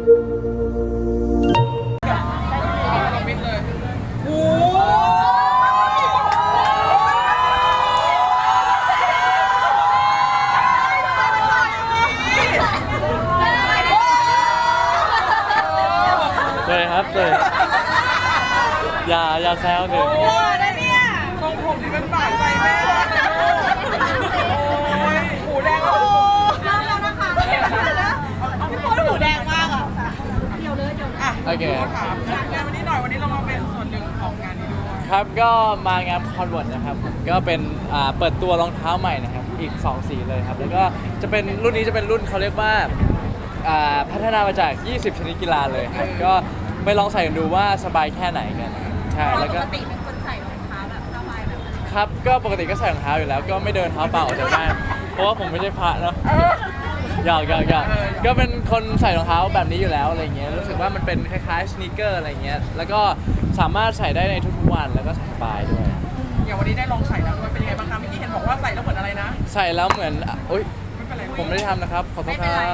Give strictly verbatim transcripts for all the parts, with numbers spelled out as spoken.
มิดเลยโอ้เลยครับเลยอย่าอย่าแซวหนึ่งโหนะเนี่ยทรงผมที่เป็นบาดใจแม่เลยโอ้ยหูแดงแล้วแล้วนะคะพี่โป๊หูแดงมากอ่ะเดี๋ยวเลยเดี๋ยวอ่ะโอเคถามงานวันนี้หน่อยวันนี้เรามาเป็นส่วนหนึ่งของงานนี้ด้วยครับก็มางานคอนเวิร์ตนะครับผมก็เป็นอ่าเปิดตัวรองเท้าใหม่นะครับอีกสองสีเลยครับแล้วก็จะเป็นรุ่นนี้จะเป็นรุ่นเขาเรียกว่าอ่าพัฒนามาจากยี่สิบชนิดกีฬาเลยครับก็ไปลองใส่กันดูว่าสบายแค่ไหนกันใช่แล้วก็ปกติเป็นคนใส่รองเท้าแบบสบายแบบนั้นครับก็ปกติก็ใส่รองเท้าอยู่แล้วก็ไม่เดินเท้าเปล่าออกจากบ้านเพราะว่าผมไม่ใช่พระเนาะหยอกหยอกหยอกก็เป็นคนใส่รองเท้าแบบนี้อยู่แล้วอะไรเงี้ยรู้สึกว่ามันเป็นคล้ายๆสนีกเกอร์อะไรเงี้ยแล้วก็สามารถใส่ได้ในทุกๆวันแล้วก็ใส่สบายด้วยอย่างวันนี้ได้ลองใส่แล้วด้วยเป็นยังไงบ้างคะเมื่อกี้เห็นบอกว่าใส่แล้วเหมือนอะไรนะใส่แล้วเหมือนอ่ะอุ๊ยไม่เป็นไรผมไม่ได้ทำนะครับขอโทษครับ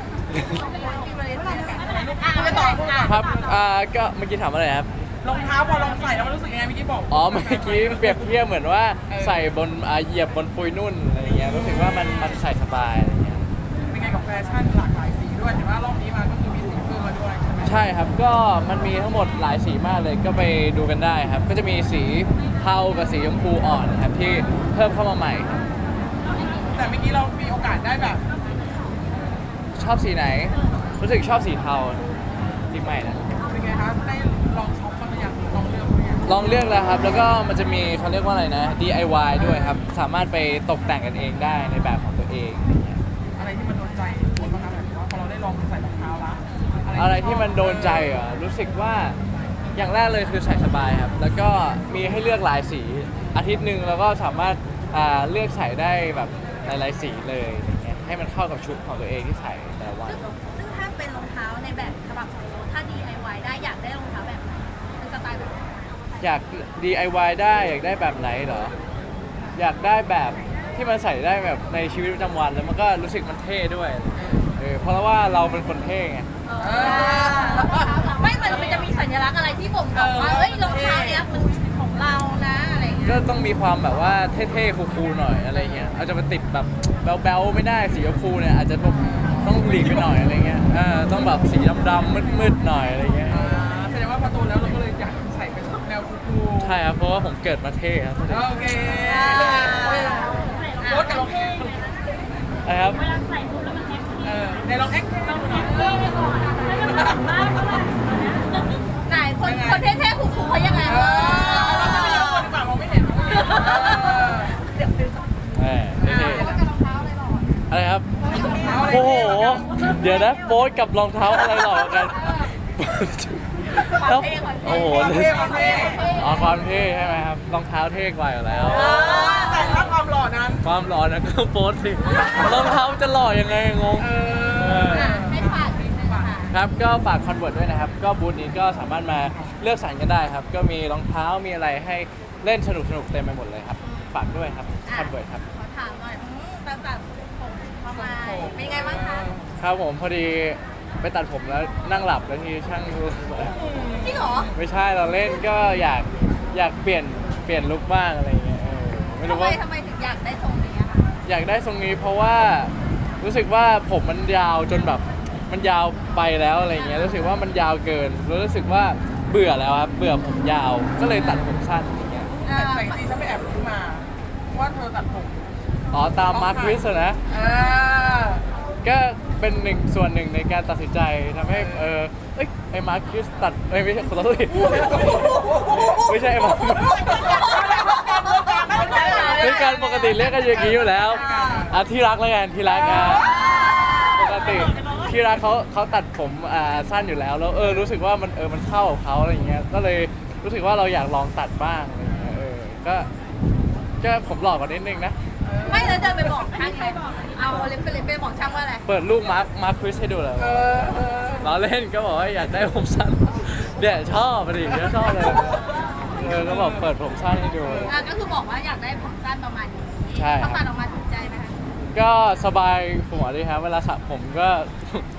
ไม่ต่อพูดก่อนครับอ่าก็เมื่อกี้ถามอะไรครับรองเท้าพอลองใส่แล้วมันรู้สึกยังไงเมื่อกี้บอกอ๋อเมื่อกี้เปรียบเทียบเหมือนว่าใส่บนอ่าเหยียบบนปุยนุ่นอะไรเงี้ยรู้สึกว่ามันมันใส่สบายอะไรเงี้ยเป็นไงกับแฟชั่นหลากหลายสีด้วยเห็นว่ารอบนี้มาก็คือมีสีเพิ่มมาด้วยใช่ไหมใช่ครับก็มันมีทั้งหมดหลายสีมากเลยก็ไปดูกันได้ครับ ก็จะมีสีเทากับสีชมพูอ่อนนะครับที่เพิ่มเข้ามาใหม่ครับแต่เมื่อกี้เรามีโอกาสได้แบบชอบสีไหน รู้สึกชอบสีเทาสีใหม่นะเป็นไงคะได้ลองช็อปบ้างหรือยังลองเลือกบ้างหรือยังลองเลือกแล้วครับ แล้วก็มันจะมีเขาเรียกว่าอะไรนะ ดี ไอ วาย ด้วยครับ สามารถไปตกแต่งกันเองได้ในแบบของตัวเองอะไรเงี้ยอะไรที่มันโดนใจคนบ้างคะแบบว่าพอเราได้ลองใส่รองเท้าละอะไรที่มันโดนใจเหรอรู้สึกว่าอย่างแรกเลยคือใส่สบายครับ แล้วก็มีให้เลือกหลายสีอาทิตย์หนึ่งแล้วก็สามารถอ่าเลือกใส่ได้แบบหลายๆสีเลยอะไรเงี้ยให้มันเข้ากับชุดของตัวเองที่ใส่แต่ละวันซึ่งซึ่งถ้าเป็นรองเท้าในแบบฉบับของเราถ้า ดี ไอ วาย ได้อยากได้รองเท้าแบบไหนเป็นสไตล์แบบไหนอยาก ดี ไอ วาย ได้อยากได้แบบไหนเหรออยากได้แบบที่มันใส่ได้แบบในชีวิตประจำวันแล้วมันก็รู้สึกมันเท่ด้วยเออเพราะว่าเราเป็นคนเท่ไงเออไม่เหมือนมันจะมีสัญลักษณ์อะไรที่บ่งบอกว่าเอ้ยรองเท้าเนี้ยมันของเรานะอะไรอย่างเงี้ยก็ต้องมีความแบบว่าเท่ๆคูลๆหน่อยอะไรเงี้ยอาจจะมาติดแบบแบ๊วๆไม่ได้สีชมพูเนี่ยอาจจะต้องหลีกไปหน่อยอะไรเงี้ยเออต้องแบบสีดำๆมืดๆหน่อยอะไรเงี้ยอ่าแสดงว่าพอโตแล้วเราก็เลยอยากใส่เป็นแนวคูลๆใช่ครับเพราะว่าผมเกิดมาเท่ครับโอเคโค้ดกับลองแอคนะครับเออในลองแอคเล่าหน่อยไหนคนคนเท่ๆคูลๆเขายังไงเออเราจะไม่ยอมคนดีกว่ามองไม่เห็นเดี๋ยวแหมเท่ๆอะไรครับโอ้โหเดี๋ยวนะโฟสกับรองเท้าอะไรหล่อกันแล้วโอ้โหความเท่ความเท่อ๋อความเท่ใช่ไหมครับรองเท้าเท่กว่าอยู่แล้วแต่ถ้าความหล่อนั้นความหล่อนะก็โพสต์สิรองเท้าจะหล่อยังไงงงเอเอออให้ฝากนิดนึงค่ะครับก็ฝากคอนเวิร์ตด้วยนะครับ ก็บูธนี้ก็สามารถมาเลือกสรรกันได้ครับ ก็มีรองเท้ามีอะไรให้เล่นสนุกสนุกๆเต็มไปหมดเลยครับ ฝากด้วยครับคอนเวิร์ตครับขอถามหน่อยอืมตั้งแต่ผมเข้ามาเป็นไงบ้างคะครับผมพอดีไปตัดผมแล้วนั่งหลับแล้วทีช่างดูจริงเหรอไม่ใช่เราเล่นก็อยากอยากเปลี่ยนเปลี่ยนลุคบ้างอะไรอย่างเงี้ยเออไม่ทำรู้ไมว่าทำไมถึงอยากได้ทรงนี้อะคะอยากได้ทรงนี้เพราะว่ารู้สึกว่าผมมันยาวจนแบบมันยาวไปแล้วอะไรเงี้ยรู้สึกว่ามันยาวเกินแล้วรู้สึกว่าเบื่อแล้วครับเบื่อผมยาวก็เลยตัดผมสั้นอย่างเงี้ยอ่าแต่จริงๆฉันไปแอบรู้มา ว่าเธอตัดผมอ๋อตามมาร์ควิสนะเออก็เป็นหนึ่งส่วนหนึ่งในการตัดสินใจทำให้เออเอ้ยไอ้มาร์ควิสตัดเอ้ยไม่ใช่ขอโทษทีไม่ใช่ไอ้มาร์คคือการปกติเรียกกันอย่างนี้อยู่แล้วอ่ะที่รักแล้วกันที่รักอ่ะปกติที่รักเขาเขาตัดผมอ่าสั้นอยู่แล้วแล้วเออรู้สึกว่ามันเออมันเข้ากับเขาอะไรอย่างเงี้ยก็เลยรู้สึกว่าเราอยากลองตัดบ้างอะไรอย่างเงี้ยเออก็ก็ผมหลอกกว่านิดนึงนะไม่แล้วเดินไปบอกช่างไงเอาเล็บไปเล็บไปบอกช่างว่าอะไรเปิดรูปมาร์คมาร์คคริสให้ดูเลยเออเออเราเล่นก็บอกว่าอยากได้ผมสั้นเนี่ยชอบดิเนี่ยชอบเลยเออก็บอกเปิดผมสั้นให้ดูอ่ะก็คือบอกว่าอยากได้ผมสั้นประมาณนี้ใช่พอตัดออกมาถูกใจไหมคะก็สบายหัวดีครับเวลาสระผมก็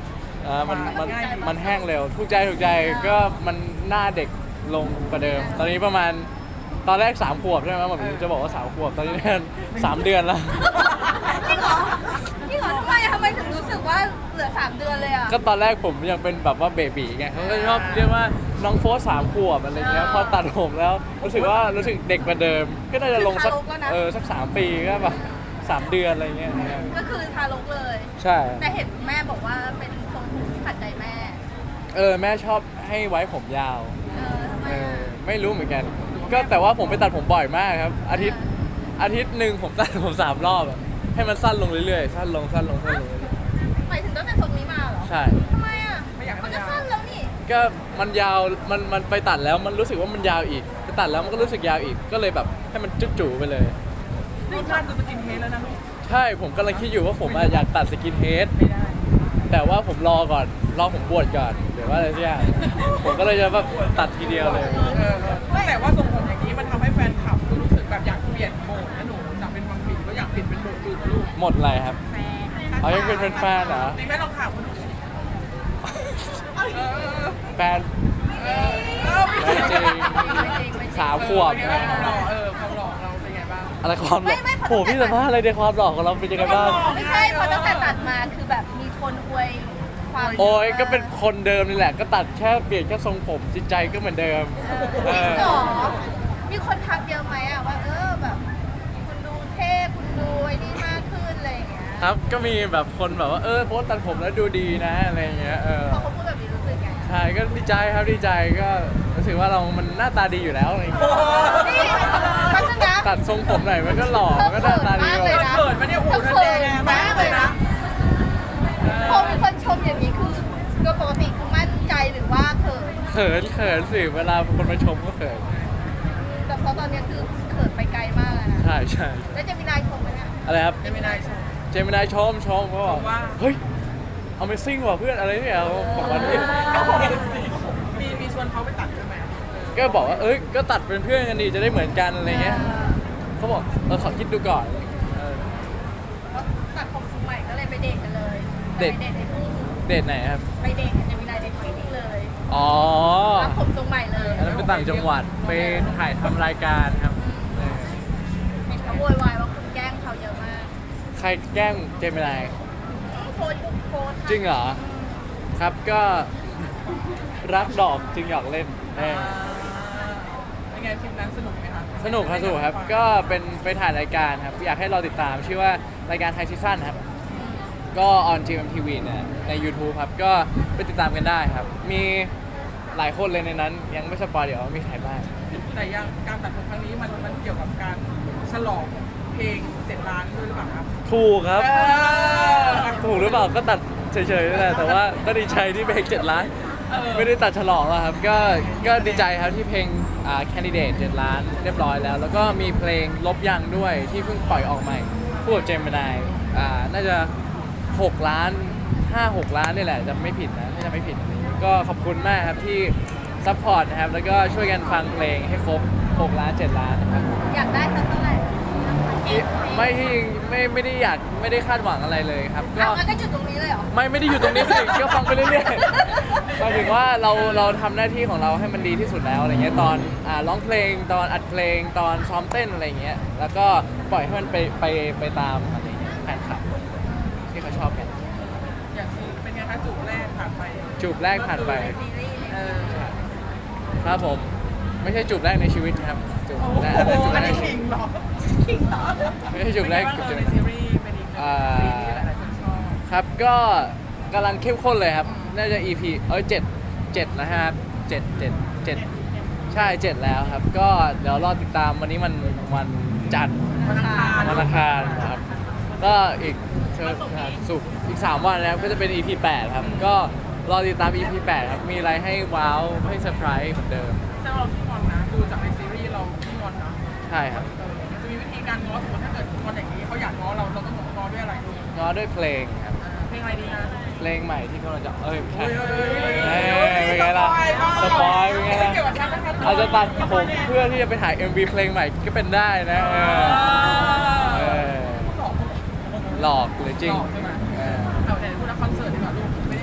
อ่ามันมันมันแห้งเร็วถูกใจถูกใจก็มันหน้าเด็กลงกว่าเดิม ตอนนี้ประมาณตอนแรกสามขวบใช่ไหมผมจะบอกว่าสามขวบตอนนี้เนี่ยสามเดือนแล้วจริงเหรอจริงเหรอทำไมทำไมถึงรู้สึกว่าเหลือสามเดือนเลยอ่ะก็ตอนแรกผมยังเป็นแบบว่าเบบีไงเขาก็ชอบเรียกว่าน้องโฟสสามขวบอะไรเงี้ยพอตัดผมแล้วรู้สึกว่ารู้สึกเด็กกว่าเดิม ก็น่าจะลงสักเออสักสามปีก็แบบสามเดือนอะไรเงี้ยก็คือทารกเลยใช่แต่เห็นแม่บอกว่าเป็นทรงผมที่ขัดใจแม่เออแม่ชอบให้ไว้ผมยาวเออทำไมเอออ่ะไม่รู้เหมือนกัน ก็แต่ว่าผมไปตัดผมบ่อยมากครับ อาทิตย์อาทิตย์หนึ่งผมตัดผมสามรอบอะให้มันสั้นลงเรื่อยๆสั้นลงสั้นลงสั้นลงเรื่อยหมายถึงตั้งแต่ทรงนี้มาเหรอๆใช่ทำไมอ่ะมันก็สั้นแล้วนี่ก็มันยาวมันมันไปตัดแล้วมันรู้สึกว่ามันยาวอีกไปตัดแล้วมันก็รู้สึกยาวอีกก็เลยแบบให้มันจุ๊จู่ๆไปเลยนี่ท่านคือสกินเฮดแล้วนะลูกใช่ผมกำลังคิดอยู่ว่าผมอะอยากตัดสกินเฮดไม่ได้แต่ว่าผมรอก่อนรอผมบวชก่อนหรือว่าอะไรสักอย่างผมก็เลยจะแบบตัดทีเดียวเลยเออแต่ว่าทรงผมอย่างนี้มันทำให้แฟนคลับรู้สึกแบบอยากเปลี่ยนโหมดนะหนูจากเป็นวังผีก็อยากเปลี่ยนเป็นโหมดอื่นนะลูกหมดอะไรครับแฟนเอายังเป็นแฟนๆเหรอนี่แม่ลองถามเขาดูสิเออแฟนเออเออไม่จริงสามขวบเป็นไงบ้างความหล่อเออความหล่อของเราเป็นไงบ้างอะไรความหล่อโหพี่สัมภาษณ์อะไรในความหล่อของเราเป็นยังไงบ้างไม่ใช่เพราะตั้งแต่ตัดมาคือแบบมีคนอวยความโอ้ยก็เป็นคนเดิมนี่แหละ ก็ตัดแค่เปลี่ยนแค่ทรงผมจิตใจก็เหมือนเดิมเอเอออหรอมีคนทักเยอะไหมอ่ะว่าเออแบบ คุณดูเท่คุณดูไอ้นี่มากขึ้นอะไรอย่างเงี้ยครับก็มีแบบคนแบบว่าเออโพสต์ตัดผมแล้วดูดีนะอะไรเงี้ยเออพอเขาพูดแบบนี้รู้สึกไงใช่ก็ดีใจครับดีใจก็รู้สึกว่าเรามันหน้าตาดีอยู่แล้วอะไรเงี้ยนี่พัฒนาตัดทรงผมหน่อยมันก็หล่อมันก็หน้าตาดีเธอกเขิว่านเขินมาเนี่ยโอ้โหเธอแดงมากเลยนะพอมีคนชมอย่างนี้คือโดยปกติคือมั่นใจหรือว่าเขินเขินเขินสิเวลาคนมาชมก็เขินแต่เพราะตอนนี้คือเขินไปไกลมากแล้วนะใช่ใช่แล้วจะมีนายชมไหมเนี่ยอะไรครับไม่ได้ใช่เจมินายชมชมเขาบอกว่าเฮ้ย Amazing ว่ะเพื่อนอะไรเนี่ยของมันนี่มีมีชวนเขาไปตัดใช่ไหมก็บอกว่าเอ้ยก็ตัดเป็นเพื่อนกันดีจะได้เหมือนกันอะไรเงี้ยเขาบอกเออขอคิดดูก่อนเออก็ตัดผมทรงใหม่ก็เลยไปเดทกันเลยเดทไปเดทในทุ่งเดทไหนครับไปเดทกับเจมินายในทุ่งเลยอ๋อตัดผมทรงใหม่เลยอันนั้นเป็นต่างจังหวัดไปถ่ายทำรายการครับเออเห็นเขาโวยวายว่าคุณแกล้งเขาเยอะมากใครแกล้งเจมินายโพสต์โพสต์จริงเหรอ ครับก็ รักดอกจึงอยากเล่นเออเป็นไงทริปนั้นสนุกไหมคะสนุกครับสนุกครับ ก็เป็นไปถ่ายรายการครับ อยากให้เราติดตามชื่อว่ารายการไทยซีซั่นครับ ก็ออน จี เอ็ม ที วี เนี่ยใน YouTube ครับ ก็ไปติดตามกันได้ครับ มีหลายคนเลยในนั้น ยังไม่สปอยเดี๋ยวมีใครบ้างแต่ยังการตัดผมครั้งนี้มันมันเกี่ยวกับการฉลองเพลงเจ็ดล้านด้วยหรือเปล่าครับถูกครับเออถูกหรือเปล่าก็ตัดเฉยๆนั่นแหละแต่ว่าก็ดีใจที่เพลงเจ็ดล้านเออไม่ได้ตัดฉลองหรอกครับ ก็ก็ดีใจครับที่เพลงอ่า Candidate เจ็ดล้านเรียบร้อยแล้ว แล้วก็มีเพลงลบยังด้วยที่เพิ่งปล่อยออกใหม่คู่กับเจมินายอ่าน่าจะหกล้านห้า หกล้านนี่แหละจะไม่ผิดนะถ้าจะไม่ผิด ก็ขอบคุณมากครับที่ซัพพอร์ตนะครับแล้วก็ช่วยกันฟังเพลงให้ครบหกล้านเจ็ดล้านนะครับอยากได้สักเท่าไหร่ไม่ที่ไม่ไม่ได้อยากไม่ได้คาดหวังอะไรเลยครับ ก็เอางั้นก็หยุดตรงนี้เลยเหรอไม่ไม่ได้อยู่ตรงนี้สิ ก็ฟังไปเรื่อยๆหมายถึงว่าเราเราทำหน้าที่ของเราให้มันดีที่สุดแล้วอะไรเงี้ยตอนอ่าร้องเพลงตอนอัดเพลงตอนซ้อมเต้นอะไรเงี้ยแล้วก็ปล่อยให้มันไปไปไปตามอะไรเงี้ยแฟนคลับที่เขาชอบกันอย่างซีเป็นไงคะจูบแรกผ่านไปจูบแรกผ่านไปซีรีส์เออครับผมไม่ใช่จูบแรกในชีวิตครับจูบโอ้แรกโหจูบอันแรนี้กขิงเหรอขิงเหรอไม่ใช่จูบแรกเป็นจูบไงบ้างเออในซีรีส์เป็นอีกหนึ่งอ่าซีรีส์ที่หลายๆคนชอบครับก็กำลังเข้มข้นเลยครับ น่าจะ อี พี เอ้ยเจ็ดเจ็ดนะฮะเจ็ดเจ็ดเจ็ดใช่เจ็ดแล้วครับ ก็เดี๋ยวรอติดตามวันนี้มันวันจันทร์วันอังคารวันอังคารนะครับ ก็อีกเชิญสุกร์อีก สาม วันนะครับก็จะเป็น อี พี แปดครับ ก็รอติดตาม อี พี แปดครับ มีอะไรให้ว้าวให้เซอร์ไพรส์เหมือนเดิมแสดงว่าเราขี้งอนนะ ดูจากในซีรีส์เราขี้งอนนะใช่ครับเออมันจะมีวิธีการง้อสมมติถ้าเกิดงอนอย่างนี้เขาอยากง้อเราเราต้องง้อด้วยอะไรดูง้อด้วยเพลงครับเพลงอะไรดีนะเพลงใหม่ที่กำลังจะเอ้ยไม่ใช่เฮ้ยเอ้ยเป็นไงล่ะสปอยเป็นไงล่ะเกี่ยวกับการนะครับอาจจะตัดผมเพื่อที่จะไปถ่าย เอ็ม วี เพลงใหม่ก็เป็นได้นะเออเออหลอกหลอกหรือจริงหลอกใช่ไหมเออเอาแต่พูดถึงคอนเสิร์ตดีกว่าลูกไม่ได้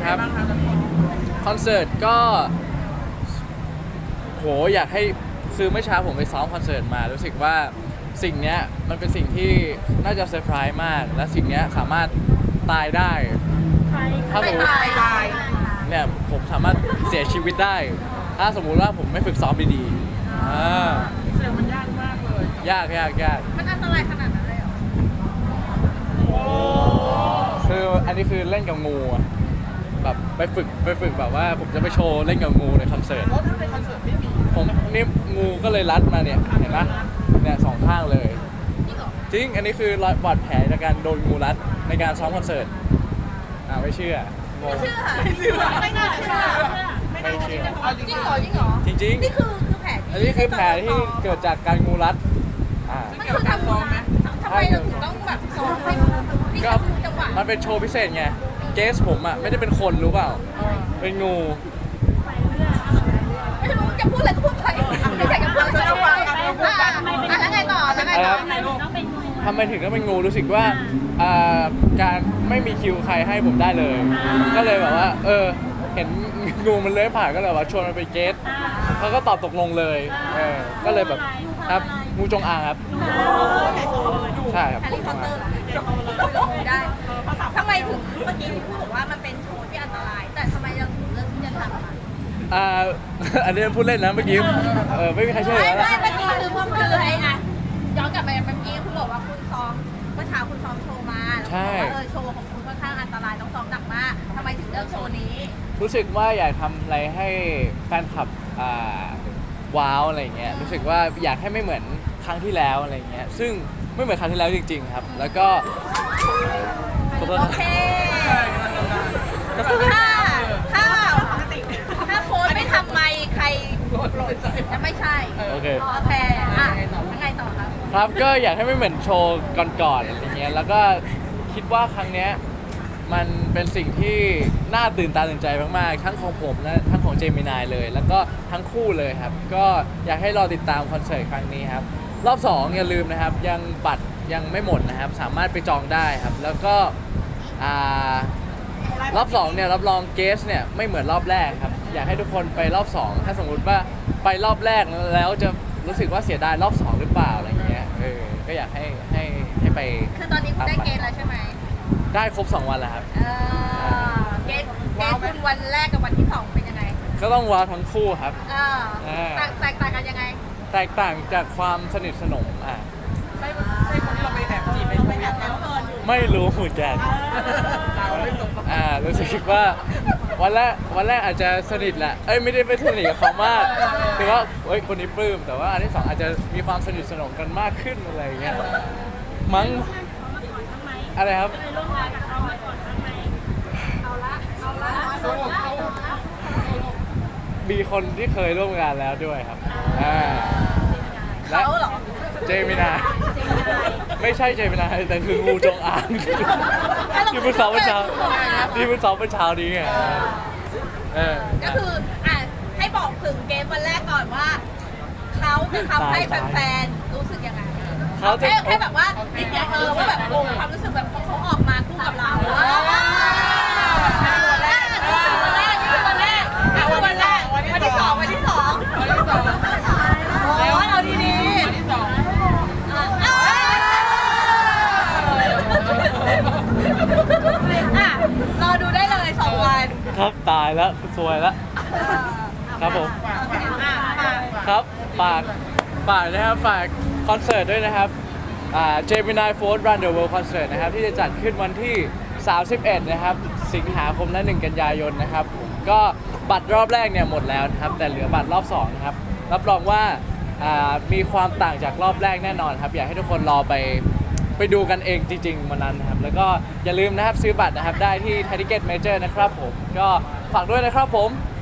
ครับคอนเสิร์ตก็โหอยากให้คือเมื่อเช้าผมไปซ้อมคอนเสิร์ตมารู้สึกว่าสิ่งเนี้ยมันเป็นสิ่งที่น่าจะเซอร์ไพรส์มาก และสิ่งเนี้ยสามารถตายได้ถ้าสมมติตายตายเนี่ยผมสามารถเสียชีวิตได้ ถ้าสมมุติว่าผมไม่ฝึกซ้อมดีๆอ่าเสียงมันยากมากเลยยากยากยากมันอันตรายขนาดนั้นเลยเหรอคืออันนี้คือเล่นกับงูอะแบบไปฝึกไปฝึกแบบว่าผมจะไปโชว์เล่นกับงูในคอนเสิร์ตเพราะถ้าในคอนเสิร์ตไม่มีผมนี่งูก็เลยรัดมาเนี่ยเห็นไหมเนี่ยสองข้างเลยจริงเหรอจริง อันนี้คือรอยบาดแผลจากการโดนงูรัดในการซ้อมคอนเสิร์ตอ่าไม่เชื่องงเชื่อไม่เชื่อไม่น่าเชื่อไม่เชื่อจริงเหรอจริงเหรอจริงนี่คือคือแผลๆที่อันนี้คือแผลที่เกิดจากการงูรัดอ่ามันคือทำซ้อมไหมทำไมเราถึงต้องแบบซ้อมให้ที่ก็ทำจังหวะมันเป็นโชว์พิเศษไง เกสผมอ่ะไม่ได้เป็นคนรู้เปล่า เป็นงูไม่รู้จะพูดอะไรก็พูดไปไม่อยากจะพูดอะไรก็พูดไปอ่ะแล้วไงต่อแล้วไงต่อทำไมถึงต้องเป็นงูรู้สึกว่าอ่าการไม่มีคิวใครให้ผมได้เลย ก็เลยแบบว่า เออ เห็นงูมันเลื้อยผ่านก็เลยว่าชวนมันไปเกสเขาก็ตอบตกลงเลยเออก็เลยแบบครับงูจงอางครับใช่ครับแฮร์รี่พอตเตอร์เหรอได้ทำไมถึงเมื่อกี้ที่พูดบอกว่ามันเป็นโชว์ที่อันตราย แต่ทำไมเราถึงเลือกที่จะทำอ่ะอ่า อันนี้พูดเล่นนะเมื่อกี้เออไม่มีใครเชื่อไม่แล้วไม่นะเมื่อกี้คือคือไอ้อ่ะย้อนกลับไปเมื่อกี้คุณบอกว่าคุณซ้อมเมื่อเช้าคุณซ้อมโชว์มาแล้วคุณบอกว่าเออโชว์ของคุณค่อนข้างอันตรายต้องซ้อมหนักมากทำไมถึงเลือกโชว์นี้รู้สึกว่าอยากทำอะไรให้แฟนคลับอ่าว้าวอะไรเงี้ยรู้สึกว่าอยากให้ไม่เหมือนครั้งที่แล้วอะไรเงี้ยซึ่งไม่เหมือนครั้งที่แล้วจริง ๆ ครับ แล้วก็ขอโทษโอนะเคถ้าถ้าถ้าโค้ดไม่ทำไมใครจะไม่ใช่โอเคโอเคอ่ะยังไงต่อครับครับก็อยากให้ไม่เหมือนโชว์ก่อนๆอะไรเงี้ยแล้วก็คิดว่าครั้งเนี้ยมันเป็นสิ่งที่น่าตื่นตาตื่นใจมากๆทั้งของผมและทั้งของเจมินายเลย แล้วก็ทั้งคู่เลยครับ ก็อยากให้รอติดตามคอนเสิร์ตครั้งนี้ครับรอบสองอย่าลืมนะครับยังบัตรยังไม่หมดนะครับสามารถไปจองได้ครับ แล้วก็อ่ารอบสองเนี่ยรับรองเกสเนี่ยไม่เหมือนรอบแรกครับอยากให้ทุกคนไปรอบสองถ้าสมมุติว่าไปรอบแรกแล้วจะรู้สึกว่าเสียดายรอบสองหรือเปล่าอะไรเงี้ยเออก็อยากให้ให้ให้ไปคือตอนนี้คุณได้เกณฑ์แล้วใช่ไหมได้ครบสองวันแล้วครับเออเกณฑ์เกณฑ์คุณวันแรกกับวันที่สองเป็นยังไงก็ต้องว้าวทั้งคู่ครับเออเออแตกแตกต่างกันยังไงแตกต่างจากความสนิทสนมอ่ะใช่ใช่คนที่เราไปแอบจีบไปแอบแล้วเกินไม่รู้เหมือนกันเราไม่จบอ่ารู้สึกว่าวันแรกวันแรกอาจจะสนิทแหละเอ้ยไม่ได้ไปสนิทกับเขามากถือว่าเฮ้ยคนนี้ปลื้มแต่ว่าอันที่สองอาจจะมีความสนิทสนมกันมากขึ้นอะไรอย่างเงี้ยมั้งอะไรครับสรุปเขามีคนที่เคยร่วมงานแล้วด้วยครับอ่าและเขาเหรอเจมินาไม่ใช่เจมินาแต่คืองูจงอางที่เพิ่งซ้อมเมื่อเช้าที่เพิ่งซ้อมเมื่อเช้านี้ไงเออก็คืออ่ะให้บอกถึงเกมวันแรกก่อนว่าเขาจะทำให้แฟนๆรู้สึกยังไงเขาจะแค่แค่แบบว่านิดเดียวเออว่าแบบโอ้ความรู้สึกแบบเขาออกมาคู่กับเราวันแรกวันแรกนี่คือวันแรกอ่ะวันแรกวันที่สองวันที่สองวันที่สองแล้วเอาดีดีวันที่สองอ่ะรอดูได้เลยสองวันครับตายแล้วสวยแล้วครับผมอ่ะอ่ะครับฝากฝากนะครับฝากคอนเสิร์ตด้วยนะครับอ่า Gemini Fourth Run the World Concert นะครับที่จะจัดขึ้นวันที่สามสิบเอ็ดนะครับสิงหาคมและหนึ่งกันยายนนะครับผมก็บัตรรอบแรกเนี่ยหมดแล้วนะครับแต่เหลือบัตรรอบสองนะครับรับรองว่าอ่ามีความต่างจากรอบแรกแน่นอนครับอยากให้ทุกคนรอไปไปดูกันเองจริงๆวันนั้นนะครับแล้วก็อย่าลืมนะครับซื้อบัตรนะครับได้ที่ Ticket Major นะครับผมก็ฝากด้วยนะครับผม